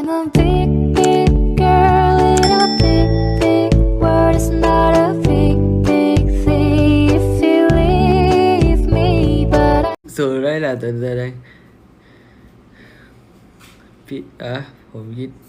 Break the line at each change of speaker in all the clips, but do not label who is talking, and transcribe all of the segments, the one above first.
I'm a big, big girl in a big, big world. It's not a big, big thing if you leave me, but I
สูได้แหละตัวแดงพี่ผมคิด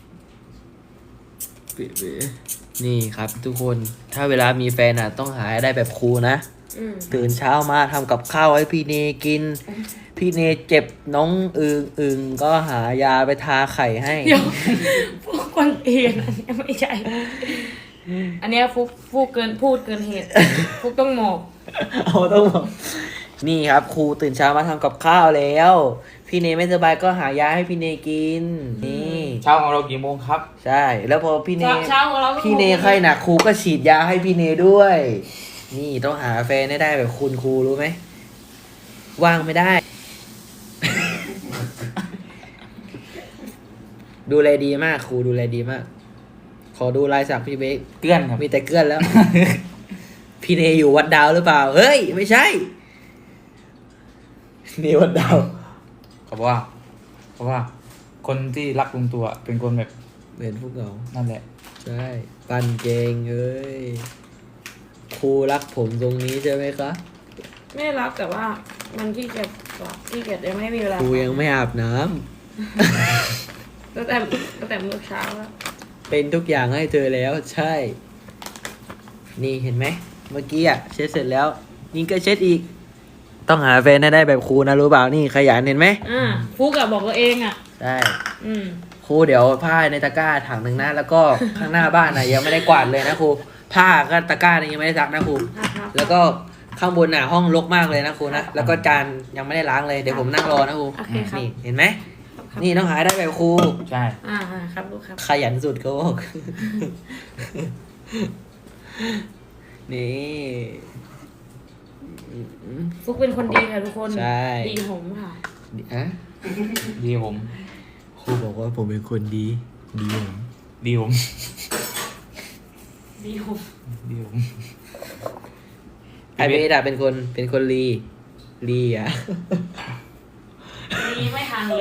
นี่ครับทุกคนถ้าเวลามีแฟนต้องหาให้ได้แบบครูนะตื่นเช้ามาทำกับข้าวให้พี่เนกิน พี่เนเจ็บน้องอึงก็หายาไปทาไข่ให้
เดี๋ยวพวกคนเองอันนี้ไม่ใช่ อันเนี้ยฟุกพูดเกินเหตุ ฟุกต้องหมอบ
ต้องบอกนี่ครับครูตื่นเช้ามาทำกับข้าวแล้ว พี่เนไม่สบายก็หายาให้พี่เนกินนี่
เช้าของเรากี่โมงครับ
ใช่แล้วพอพี่เน
เช้าของเรา
พี่เนไข้หนักครูก็ฉีดยาให้พี่เนด้วย นี่ต้องหาแฟนให้ได้แบบคุณครูรู้ไหมว่างไม่ได้ ดูแลดีมากครูดูแลดีมาก ขอดูลายสักพี่เบค
เกลื่อนครับ
มีแต่เกลือนแล้ว พี่เนอยู่วัดดาวหรือเปล่าเฮ้ยไม่ใช่นี่วัดดาว
เขาบอกว่า คนที่รักลุงตัวเป็นคนแบบ
เหมือนพวกเรา
นั่นแหละ
ใช่ปันเกงเอ้ยครูรักผมตรงนี้ใช่ไหมคะ
ไม่ได้รับแต่ว่ามันขี้เกียจกว่าขี้เกียจยังไม่มีเวลา
ครูยังไม่อาบน้ำ
ตั้งแต่มื้อเช้าแล้ว
เป็นทุกอย่างให้เธอแล้วใช่ นี่เห็นไหมเมื่อกี้เช็ดเสร็จแล้วนี่ก็เช็ดอีก ต้องหาแฟนให้ได้แบบครูนะรู้เปล่านี่ขยันเห็นไหม
ฟุกอะบอกตัวเองอะ
ใช่
อืม
ครูเดี๋ยวผ้าในตะกร้าถังหนึ่งนะแล้วก็ข้างหน้าบ้านยังไม่ได้กวาดเลยนะครูผ้าก็ตะกร้ายังไม่ได้ซักนะครู
ครับ
แล้วก็ข้างบนห้องรกมากเลยนะครูนะแล้วก็จานยังไม่ได้ล้างเลยเดี๋ยวผมนั่งรอนะครู
โอเคครับ
นี่เห็นไหมนี่ต้องหาให้ได้แบบครู
ใช่
ครับลูกครับ
ขยันสุดเขาบอก นี่
ฟุกเป็นคนดีค่ะทุกคน
ใช่
ดีผมค่ะ
อะ
ดีผม
ครูบอกว่าผมเป็นคนดี ดีผม
ดีผม
ดีผม
ดีผม
ไอเบสเป็นคนลีอ่ะ
ดีไม่ห่างเลย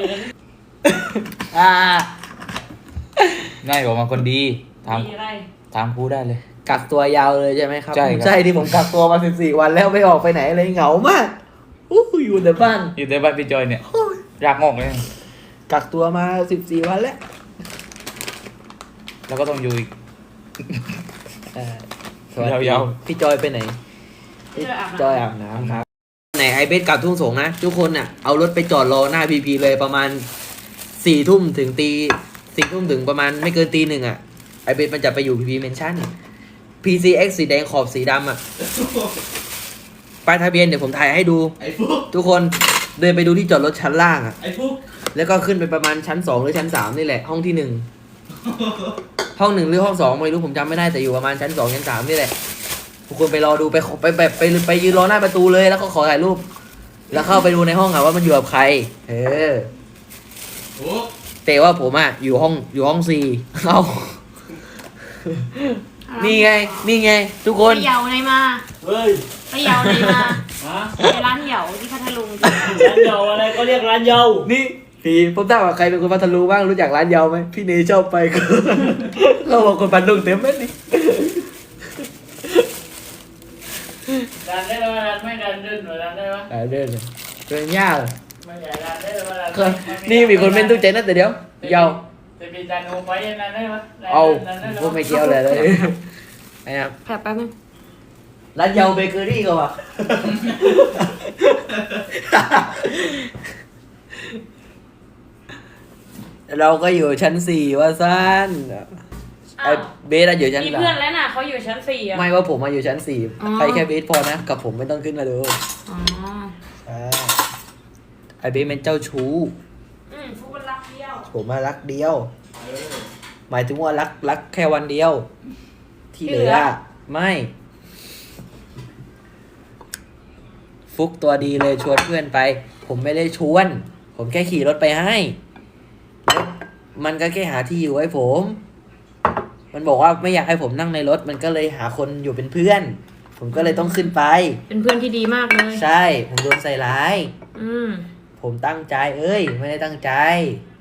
ง่ายบอกมาคนดีถาม
ดีอะไร
ถามครูได้เลย
กักตัวยาวเลยใช่ไหมครับ
ใช่ครับ
ใช่ที่ผมกักตัวมา14 วันแล้วไม่ออกไปไหนเลยเหงามากอยู่แต่บ้าน
อยู่ในบ้านพี่จอยเนี่ยรากงอกเลย
กักตัวมา14 วันแล้ว
แล้วก็ต้องอยู่อีก
สวัสดี
ยาว
พี่จอยไปไหนพี่จอยอาบน้ำครับไหนไอเบสกลับทุ่งสงนะทุกคนเอารถไปจอดรอหน้าพีพีเลยประมาณ4 ทุ่มถึง4 ทุ่มถึงประมาณไม่เกินตี 1ไอเบสมันจะไปอยู่พีพีเมนชั่น PCX สีแดงขอบสีดำป้ายทะเบียนเดี๋ยวผมถ่ายให้ดูทุกคนเดินไปดูที่จอดรถชั้นล่างแล้วก็ขึ้นไปประมาณชั้น 2หรือชั้น 3นี่แหละห้องที่ 1 ห้อง 1หรือห้อง 2ไม่รู้ผมจำไม่ได้แต่อยู่ประมาณชั้น 2ชั้น 3นี่แหละทุกคนไปรอดูไปยืนรอหน้าประตูเลยแล้วก็ขอถ่ายรูปแล้วเข้าไปดูในห้องว่ามันอยู่กับใครแต่ว่าผมอยู่ห้อง 4เอานี่ไงทุกคน
ไปเหยาไหนมา
เฮ้ย
ไปเหยาไหนมา
ฮะ
ไปร้านเหยาที่พัทลุง
ร้านเยาอะไรก็เรียกร้านเยา
นี่พี่ผมถามว่าใครเป็นคนพัทลุงบ้างรู้จักร้านเยาไหมพี่เนยชอบไปเขาบอกคนพัทลุงเต็มเลยนี่
ร้านได้ไหมร้านไม่ร้านเดินหรือร้านได้ไหม
เดินเลยเดินยาก
ไม่ใช่ร้านได้ไหมร้าน
นี่มีคนเป็นทุกใจนั่นแต่เดี๋ยวเยา
จะมีจานโอไปร้านได้ไหม
เอาผมไม่เกี่ยวเลยนะครับ
แป๊บนึง
ร้านเยาเบเกอรี่ก็ว่ะ เราก็อยู่ชั้น 4ว่าสั้นไอเบสอยู่ชั้น
มี
3
เพื่อนแล้วน่ะเขาอยู่ชั้น 4อะ
ไม่ว่าผมมาอยู่ชั้น
อ๋อ
4ไปแค่เบสพอนะกับผมไม่ต้องขึ้นมาดู
อ๋อ
ไอเบสเป็นเจ้าชู้
ฟุกเป็นรักเดียว
ผมมารักเดียว หมายถึงว่ารักแค่วันเดียว ที่เหลือไม่ ฟุกตัวดีเลยชวนเพื่อนไป ผมไม่ได้ชวน ผมแค่ขี่รถไปให้แล้วมันก็แค่หาที่อยู่ให้ผม มันบอกว่าไม่อยากให้ผมนั่งในรถ มันก็เลยหาคนอยู่เป็นเพื่อน ผมก็เลยต้องขึ้นไป
เป็นเพื่อนที่ดีมากเลย
ใช่ ผมโดนใส่ร้าย
อืม
ผมตั้งใจ ไม่ได้ตั้งใจ
อ